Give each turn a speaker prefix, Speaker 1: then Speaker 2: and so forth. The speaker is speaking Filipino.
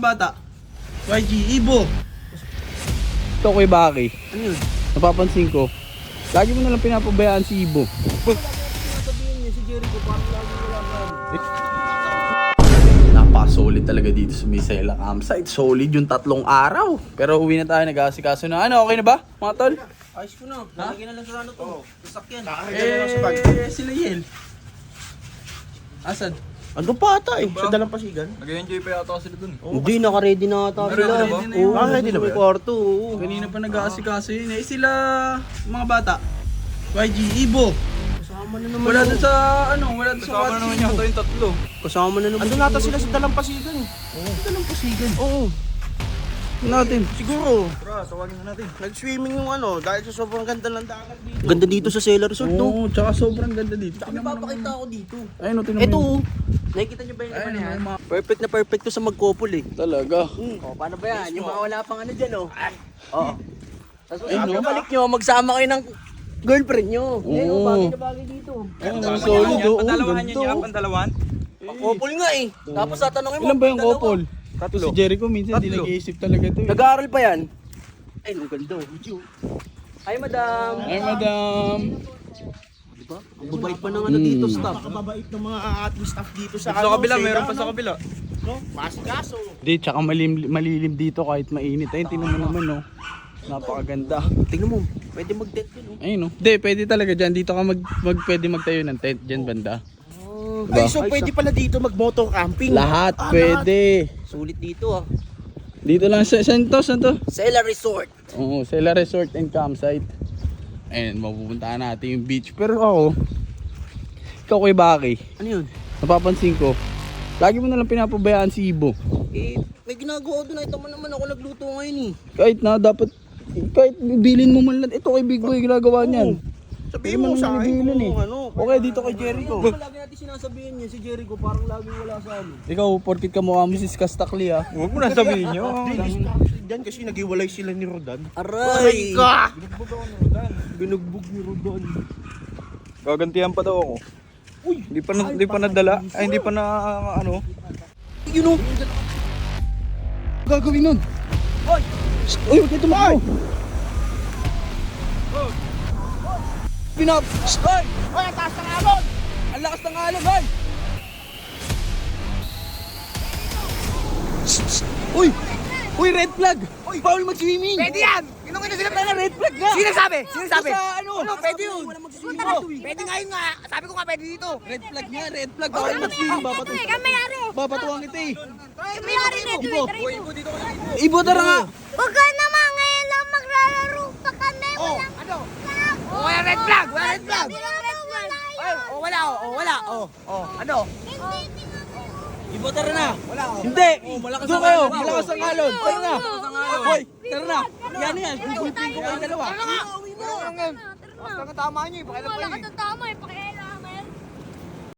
Speaker 1: mga bata. YG, Ibo.
Speaker 2: Ito kay Baki.
Speaker 1: Ano yun?
Speaker 2: Napapansin ko. Lagi mo nalang pinapabayaan si Ibo.
Speaker 1: Sabihin niya si Jericho parang lagi wala gano'n.
Speaker 2: Napaka-solid talaga dito sa Misela Campsite. Solid yung 3 araw. Pero uwi na tayo, nag-aasikaso na. Ano, okay na ba, mga tol?
Speaker 1: Ayos ko na. Lalagyan na lang sa ano to. Sasakyan.
Speaker 2: Sila Yel. Asan?
Speaker 3: Ando pa ata eh, sa Dalampasigan.
Speaker 4: Nag-enjoy pa yata sila dun.
Speaker 3: Hindi, naka-ready na ata
Speaker 4: Ready
Speaker 3: sila.
Speaker 4: na ba?
Speaker 3: Oo, ready na ba? May kwarto, oo.
Speaker 2: Kanina pa nag-aasikaso yun eh. Sila, mga bata. YG, Ibo.
Speaker 3: Kasama na naman.
Speaker 2: Wala doon sa, ano, wala doon sa
Speaker 4: Kasama naman yata yung tatlo.
Speaker 3: Kasama na naman. Ando nata sila sa Dalampasigan eh.
Speaker 2: Dalampasigan.
Speaker 3: Oo.
Speaker 2: Natin.
Speaker 3: Siguro.
Speaker 4: Tara, tawagin na natin.
Speaker 3: Nag-swimming yung ano, dahil sa sobrang ganda ng dagat dito. Ganda dito sa Sailor Resort, no?
Speaker 2: Oo, tsaka sobrang ganda dito.
Speaker 3: May papakita ako dito.
Speaker 2: Ayun, no, tinan
Speaker 3: Ito,
Speaker 2: mo yun.
Speaker 3: nakikita niyo ba yung
Speaker 2: Ayun,
Speaker 3: laman yan?
Speaker 2: yung mga-
Speaker 3: Perfect na perfect to sa mag-couple eh.
Speaker 2: Talaga.
Speaker 3: O, paano ba yan? Yung mga wala pang ano dyan, oh. Oo. Tapos
Speaker 2: Ay, no?
Speaker 3: balik nyo, magsama kayo ng girlfriend nyo. Ngayon,
Speaker 2: Oo.
Speaker 3: bagay na bagay dito.
Speaker 2: Ayun, ang solid. Oo,
Speaker 4: Pandalawahan
Speaker 2: ganito.
Speaker 4: niya, pandalawan.
Speaker 3: Couple nga eh. Tapos tatanungin mo.
Speaker 2: Ilan ba yung
Speaker 3: dalawa.
Speaker 2: couple? Si Jericho minsan di
Speaker 4: Tatlo.
Speaker 2: nag-iisip talaga ito eh.
Speaker 3: Nag-aaral pa yan? Ay, ang ganda. Hi, madam.
Speaker 2: Ay, madam.
Speaker 3: Diba? Ang babait pa ng ano dito, staff. Nakababait ng mga ating staff dito sa
Speaker 4: Sa kabila, meron pa sa kabila.
Speaker 3: Masikaso.
Speaker 2: Di, tsaka malilim dito kahit mainit. Ayun, tingnan mo naman, no. Napakaganda.
Speaker 3: Tingnan mo, pwede mag-tent yun, oh.
Speaker 2: Ayun, no. Di, pwede talaga dyan. Dito ka pwede magtayo ng tent dyan banda.
Speaker 3: Ay, so pwede pala dito mag-motor camping.
Speaker 2: Lahat pwede.
Speaker 3: Sulit dito, ah.
Speaker 2: Dito lang sa, saan to?
Speaker 3: Sela Resort.
Speaker 2: Oo, Sela Resort and Campsite. Ayun, mapupuntahan natin yung beach. Pero ako, ikaw kay Baki,
Speaker 3: Ano yun?
Speaker 2: napapansin ko, lagi mo nalang pinapabayaan si Ibo.
Speaker 3: Eh, may ginagawa doon. Ito naman ako nagluto ngayon, eh.
Speaker 2: Kahit bilin mo man lang. Ito kay Big Boy ginagawa niyan.
Speaker 3: Sabihin mo sa akin
Speaker 2: Bilin
Speaker 3: kung ano.
Speaker 2: Okay, dito kay Jericho.
Speaker 1: Lagi natin sinasabihin niya si Jericho parang lagi wala sa ano.
Speaker 2: Ikaw, porkit ka mukha mo si Kastakli ah.
Speaker 4: Huwag mo na sabihin nyo.
Speaker 3: Diyan kasi naghiwalay sila ni Rodan.
Speaker 1: Aray!
Speaker 3: Binugbog ni Rodan.
Speaker 4: Gagantihan pa daw ako. Uy, hindi pa nadala. Ay, hindi pa na ano.
Speaker 3: You know,
Speaker 2: Gagawin nun. Uy, huwag kayo tumakbo. Pinap! Ay!
Speaker 3: ay, ang taas ng alon!
Speaker 2: Ang lakas ng alon, ay! Uy! Uy, red flag! Uy, bawal mag-swimming!
Speaker 3: Pwede yan! Ginong ino sila
Speaker 2: Tanga, red flag nga!
Speaker 3: Sinasabi! Sinasabi!
Speaker 2: Sa ano?
Speaker 3: Ano, pwede yun!
Speaker 2: Wala mag-swimming.
Speaker 3: Pwede nga yun nga! Sabi ko nga pwede dito!
Speaker 2: Red flag nga, red flag. Bawal mag-swimming. Babatuwang kita eh. Ibo! Ibo, tara nga!
Speaker 5: Huwag ka naman, ngayon lang maglalaro pa kami. Walang
Speaker 3: Ano? Oh, wala red flag! Wala red flag!
Speaker 5: wala
Speaker 3: Ay, oh, wala, oh, wala, oh, oh, ano?
Speaker 2: Ibo, tara na! Hindi! Doon kayo! Malakas ang alon! Tara na! Hoy! Tara na! Yan yan! Gugulpin ko kayo dalawa!
Speaker 3: Basta nga tama nyo eh, pakialam
Speaker 5: Wala
Speaker 3: kayo
Speaker 5: ka
Speaker 3: eh.
Speaker 5: ng tama eh.